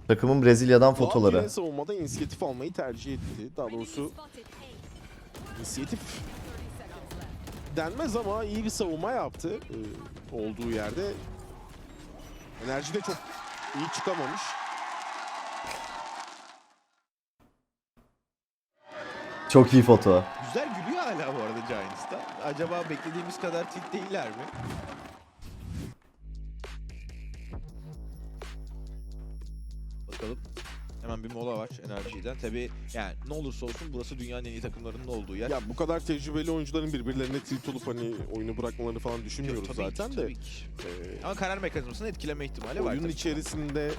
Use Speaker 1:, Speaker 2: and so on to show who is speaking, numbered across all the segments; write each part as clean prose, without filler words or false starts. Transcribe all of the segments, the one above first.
Speaker 1: Takımın Brezilya'dan
Speaker 2: Doğan
Speaker 1: fotoları.
Speaker 2: yine savunmada inisiyatif almayı tercih etti. Daha doğrusu inisiyatif denmez ama iyi bir savunma yaptı olduğu yerde. Enerji de çok iyi çıkamamış.
Speaker 1: Çok iyi foto.
Speaker 3: Güzel gülüyor hala bu arada Giants'ta. Acaba beklediğimiz kadar tilt değiller mi? Bakalım. Hemen bir mola var enerjiden. Tabii yani ne olursa olsun burası dünyanın en iyi takımlarının olduğu yer.
Speaker 2: Ya bu kadar tecrübeli oyuncuların birbirlerine tilt olup hani oyunu bırakmalarını falan düşünmüyoruz
Speaker 3: Tabii
Speaker 2: zaten
Speaker 3: ki,
Speaker 2: de.
Speaker 3: tabii ki. Ama karar mekanizmasını etkileme ihtimali var.
Speaker 2: Oyunun
Speaker 3: tabii.
Speaker 2: içerisinde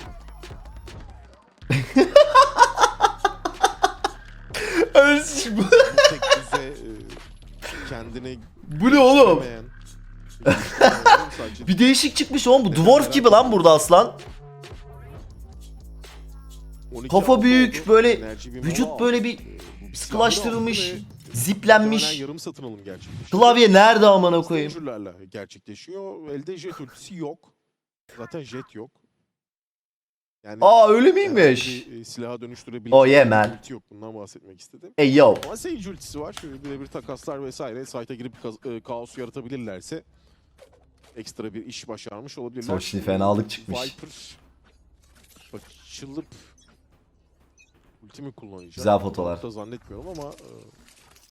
Speaker 2: bu tek düze kendini
Speaker 1: Bu ne oğlum?
Speaker 2: göremeyen sadece
Speaker 1: Bir değişik çıkmış oğlum, bu dwarf gibi lan burada aslan.
Speaker 2: 12
Speaker 1: Kafa
Speaker 2: altı
Speaker 1: büyük,
Speaker 2: oldu.
Speaker 1: böyle
Speaker 2: Enerji bir
Speaker 1: vücut
Speaker 2: mola
Speaker 1: böyle
Speaker 2: aldı.
Speaker 1: bir
Speaker 2: Bu
Speaker 1: sıkılaştırılmış,
Speaker 2: silahları aldı ve
Speaker 1: ziplenmiş.
Speaker 2: muhtemelen yarım satın alım gerçekleşiyor.
Speaker 1: Klavye nerede amına koyayım?
Speaker 2: Zincirlerle gerçekleşiyor. Elde jet ultisi yok. Zaten jet yok. Yani
Speaker 1: Aa öyle
Speaker 2: herhangi
Speaker 1: miymiş?
Speaker 2: bir silaha dönüştürebileceği
Speaker 1: Oh yeah,
Speaker 2: bir
Speaker 1: man.
Speaker 2: ulti yok. Bundan bahsetmek istedim.
Speaker 1: Ey yo.
Speaker 2: Ama Sage ultisi var. Şöyle birebir takaslar vesaire. Site'a girip kaos yaratabilirlerse ekstra bir iş başarmış olabilirler.
Speaker 1: Soçli fenalık çıkmış.
Speaker 2: Viper açılıp ulti mi kullanacak?
Speaker 1: Güzel fotolar.
Speaker 2: Da zannetmiyorum ama